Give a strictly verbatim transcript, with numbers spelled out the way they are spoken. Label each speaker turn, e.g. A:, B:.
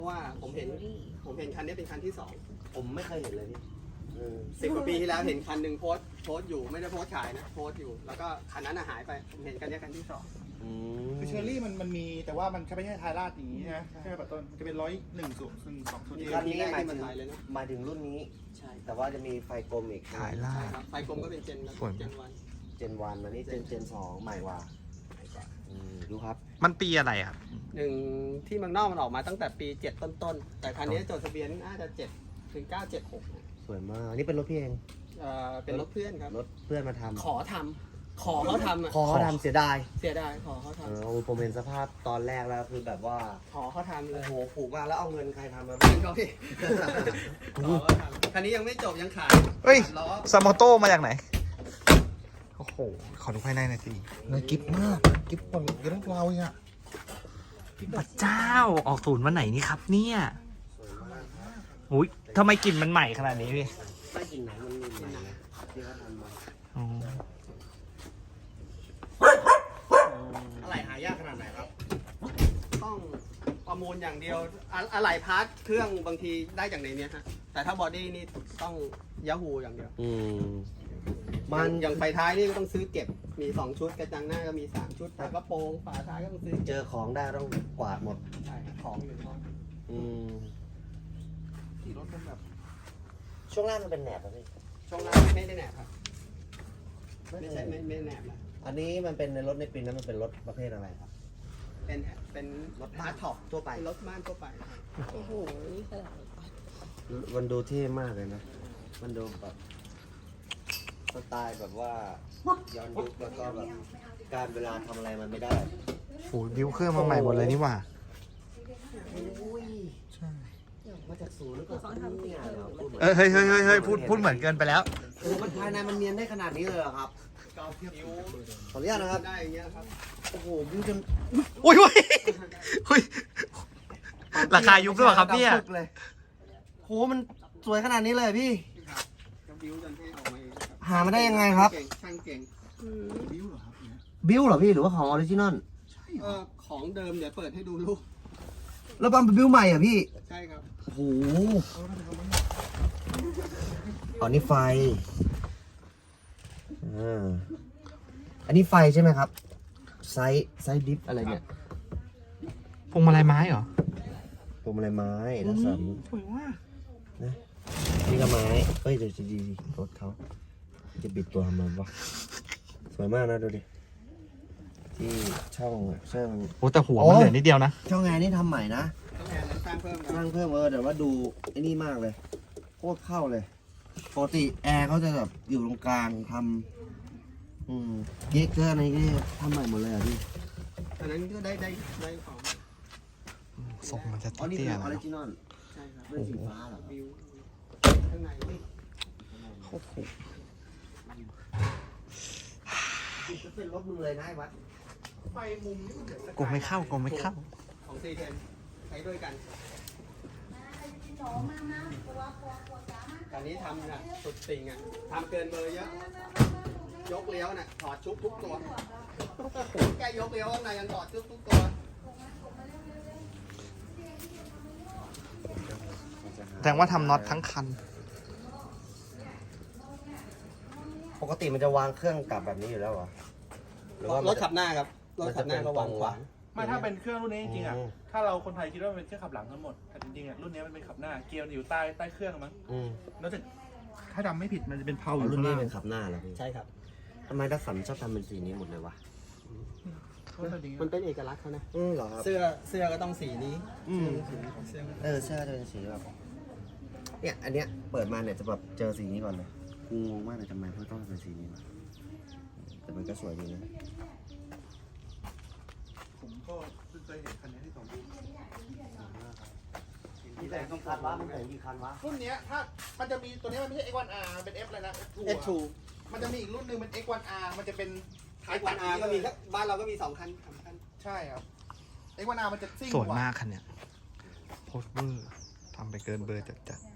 A: ราะว่าผมเห็นผมเห็นคันนี้เป็นคันที่สอง
B: ผมไม่เคยเห็นเลยพี่
A: สิบกว่าปีที่แล้วเห็นคันหนึ่งโพสโพสอยู่ไม่ได้โพสขายนะโพสอยู่แล้วก็คันนั้นหายไปผมเห็นคันนี้คันที่สอง
C: คือเชอร์รี่มันมันมีแต่ว่ามันไม่ใช่ทายราดอย่างนี้นะใช่ไหมป้าต้นมันจะเป็นร้อยหนึ่งสูงหนึ่งสองสูง
B: คันนี้หมายถึงหมายถึงรุ่นนี้ใช่แต่ว่าจะมีไฟกลมอีก
D: ถ่ายล่า
A: ไฟกลมก็เป็นเจนเจนวัน
B: เจนวันอันนี้เจนเจนสองใหม่กว่าดูครับ
D: มันปีอะไรครับ
A: หนึ่งที่เมืองนอกมันออกมาตั้งแต่ปีเจ็ดต้นๆแต่คันนี้จดทะเบียนน่าจะเจ็ดถึงเก้าเจ็ดหก
B: สวยมากอันนี้เป็นรถพี่เอง
A: เออเป็นรถเพื่อนครับ
B: รถเพื่อนมาทำ
A: ขอทำขอเขาทำ
B: ขอเขาทำเสียดาย
A: เสียดายขอเขาทำ
B: เออผมเห็นสภาพตอนแรกแล้วคือแบบว่า
A: ขอเขาทำเลย
B: โอ้โหผูกมาแล้วเอาเงินใครทำมา
A: เงินเขาพี่ขอเขาทำคันนี้ยังไม่จบยังขาย
D: เฮ้ยซามอโต้มาจากไหนโอ้โหขอดูภายในหน่อยสิ
C: เนื้อกิ๊บมากกิ๊บกว่าเยอะกว่าเราอ่ะ
D: พระเจ้าออกศูนย์วันไหนนี่ครับเนี่ยอุ้ยทำไมกลิ่นมันใหม่ขนาดนี้พี่
B: ไม่กลิ่นไหนมันมีใหม่นะที่เขาทำมาอะไรหายากขนาดไหนครับ
A: ต้องประมูลอย่างเดียวอะไหล่พาร์ทเครื่องบางทีได้จากในนี้ฮะแต่ถ้าบอดี้นี่ต้องยาฮูอย่างเดียว
B: อืม
A: มันอย่างไฟท้ายนี่ก็ต้องซื้อเก็บมีสองชุดกระจังหน้าก็มีสามชุดฝากระโปรงฝาท้ายก็ต้องซื้อ
B: เจอของได้ต้องกวาดหมด
A: ใช่ของอยู่ท้อง
B: อืม
A: ที่รถเป็นแบบ
B: ช่วงล่างมันเป็นแหนบป่ะพี่
A: ช่วงล่างไม่ได้แหนบครับไม่ใช่ไม่ไม่แหนบนะ
B: อันนี้มันเป็นในรถในปีนั้นมันเป็นรถประเภทอะไรครับ
A: เป็นเป็น
B: รถบ้านท็อปทั่วไป
A: รถบ้านทั่วไป
E: โอ้โหนี่ขนาด
B: มันดูเท่มากเลยนะมันดูแบบสไตล์แบบว่าย้อนยุคแล้วก็แบบการเวลาทำอะไรมันไม่ได้
D: โอ้ยบิวเครื่องมาใหม่หมดเลยนี่หว่า
B: ใช่มาจากศูนย์แล้วก็เขาทำเนี่ย
D: เฮ้ยเฮ้ยเฮ้ยเฮ้ยพูดพูดเหมือนเกินไปแล้ว
B: โอ้มันภายในมันเนียนได้ขนาดนี้เลยเหรอครับขออนุญาตนะครับ
A: ได้อย่างเงี้ยครับ
B: โอ้โหบิวจน
D: อุ้ยอุ้ยอุ้ยราคายุคด้วยครับเนี่ย
B: โหมันสวยขนาดนี้เลยพี่
A: บิวจนเท่ออกมาเอง
B: หามาได้ยังไงครับ
A: ช่างเก่ง
C: บิวเหรอครับ
B: บิวเหรอพี่หรือว่าของออริจินอล
A: เออของเดิมเดี๋ยวเปิดให้ดูลูก
B: แล้วปั๊มเป็นบิวใหม่อ่ะพี่
A: ใช่ครับ
B: โอ้โหอันนี้ไฟอ่าอันนี้ไฟใช่ไหมครับไซส์ไซส์ดิฟอะไรเนี่ย
D: พวงมาลัยไม้เหรอ
B: พวงมาลัยไม้แล้วสัน
D: สวยมาก
B: นะนี่ก็ไม้เฮ้ยเดี๋ยวจะดีรถเขาจะบิดตัวทำไมวะสวยมากนะดูดิที่ช่องช่อง
D: โอ้แต่หัวมันเหลือนิดเดียวนะ
B: ช่องแอร์นี่ทำใหม่นะ
A: ช่องแอร์นั้นสร้างเพิ่ม
B: สร้างเพิ่มเออแต่ว่าดูไอ้นี่มากเลยโคตรเข้าเลยปกติแอร์เขาจะแบบอยู่ตรงกลางทำอืมเยกเกอร์อะไรนี่ทำใหม่หมดเลยอ่ะพี่
A: อันนั้นก็ได้ได้ได้ของ
D: ส่งมันจะ
B: อ๋อนี่คือออริจินอล
A: ใช่ครับ
B: เป็นสีฟ้าเหรอ
A: บิวข้างใน
D: โอ้โห
B: จะเป็นรถมึงเลยนะไอ้วัด
A: ไฟมุมนี่มันเดือด
D: กูไม่เข้ากูไม่เข้า
A: ของซีเทนใช้ด้วยกันอันนี้ทำนะสุดติงอ่ะทำเกินเบอร์เยอะยกเลี้ยวน่ะถอดชุบทุกตัวแกยกเลี้ยวข้างในยังถอดชุบทุกตัว
D: แสดงว่าทำน็อตทั้งคัน
B: ปกติมันจะวางเครื่องกลับแบบนี้อยู่แล้วเหรอหรือว่าร
A: ถขับหน้าครับรถขับหน้าก็วางขวาง
C: ไม่ถ้าเป็นเครื่องรุ่นนี้จริงๆอ่ะถ้าเราคนไทยคิดว่ามันเป็นเครื่องขับหลังทั้งหมดแต่จริงๆอ่ะรุ่นนี้มันเป็นขับหน้าเกียร์อยู่ใต้ใต้เครื่องมั้งแล้วแต่ถ้าจำไม่ผิดมันจะเป็นเพลาอยู่
B: รุ่นนี้เป็นขับหน้าเหรอพี่
A: ใช่ครับ
B: ทำไมดัสสันชอบทำเป็นสีนี้หมดเลยวะ
A: มันเป็นเอกลักษณ์เขานะ
B: อือเหรอครับ
A: เสื้อเสื้อก็ต้องสีนี้
B: อืมเออเสื้อจะเป็นสีแบบเนี่ยอันเนี้ยเปิดมาเนี่ยจะแบบเจอสีนี้ก่อนเลยงงมากเลยทำไมเพื่อต้องเป็นสีนี้วะแต่มันก็สวยดีนะ
C: ผมก็เคยเห็นคันนี้ที่สองรุ่น
B: ที่แต่ต้องคันวะมันแต่งกี่คันวะ
C: รุ่นนี้ถ้ามันจะมีตัวนี้มันไม่ใช่ เอ็กซ์ วัน อาร์ เป็น F อะไรนะ
A: เอฟ ทู
C: มันจะมีอีกรุ่นหนึ่งเป็น เอ็กซ์ วัน อาร์ มันจะเป็น
A: ไอวันอาร์ก็มีบ้านเราก็มีสองคันสามคัน
C: ใช่ครับ เอ็กซ์ วัน อาร์ มันจะซิ่ง
D: สวยมากคันเนี้ยโคตรเวอร์ทำไปเกินเบอร์จัดจัด